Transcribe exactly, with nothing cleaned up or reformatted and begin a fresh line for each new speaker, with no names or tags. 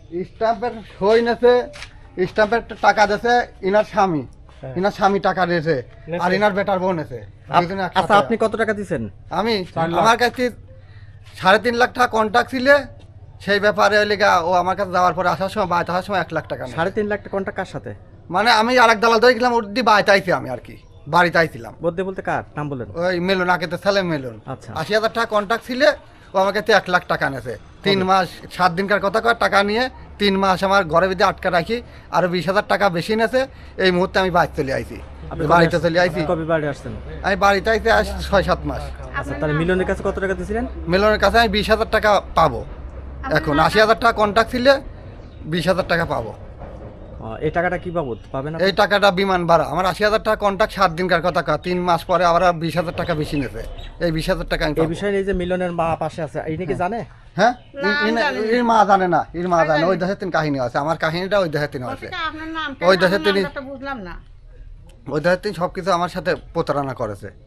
স্ট্যাম্পের সই নেছে, স্ট্যাম্পের টাকা দিয়েছে ইনার স্বামী, ইনার স্বামী টাকা দিয়েছে আর ইনার বেটার বোন আছে।
আচ্ছা আপনি কত টাকা দিচ্ছেন?
আমি আমার কাছে সাড়ে তিন লাখ টাকা কন্ট্যাক্ট ছিল, সেই ব্যাপারে ওই লেগা ও আমার কাছে যাওয়ার পরে আসার সময় বাড়িতে আসার সময় এক লাখ টাকা নেয়।
সাড়ে তিন লাখ টাকা কন্ট্রাক্ট কার সাথে?
মানে আমি আর এক দালাল ধরে গেলাম, ওর দিয়ে বাড়িতে আইছি আমি আর কি, বাড়িতে আইছিলাম।
বলতে বলতে কার নাম বলেন?
ওই মেলুন আগে ছেলে মেলুন।
আচ্ছা।
আশি হাজার টাকা কন্ট্যাক্ট ছিল, ও আমার কাছে এক লাখ টাকা নেছে। তিন মাস সাত দিনকার কথা কয় টাকা নিয়ে তিন মাস আমার ঘরের ভিতরে আটকা রাখি, আরো বিশ হাজার টাকা বেশি নেছে। এই মুহূর্তে আমি বাড়ি চলে আইছি, বাড়িতে চলে আইছি।
কবে বাড়ি আসছেন?
আমি বাড়িতে আইছি আজ ছয় সাত মাস।
আচ্ছা তাহলে মিলনের কাছে কত টাকা দিয়েছিলেন?
মেলনের কাছে আমি বিশ হাজার টাকা পাবো এখন। আশি হাজার টাকা কন্ট্যাক্ট ছিল, বিশ হাজার টাকা পাবো।
এই টাকাটা কি বাবদ পাবেন?
এই টাকাটা বিমান ভাড়া। আমার আশি হাজার টাকা কন্ট্যাক্ট সাত দিনকার কথা কয়, তিন মাস পরে আবার বিশ হাজার টাকা বেশি নেছে। এই বিশ হাজার টাকা আমি
এই বিষয়ে এই যে মিলনের মা পাশে আছে এই নাকি জানে?
হ্যাঁ, এর মা জানে না, এর মা জানে। ওই দেশের তিন কাহিনী আছে, আমার কাহিনীটা ওই দেশের তিন আছে। ওই দেশের তিনি, ওই দেশের তিনি সবকিছু আমার সাথে প্রতারণা করেছে।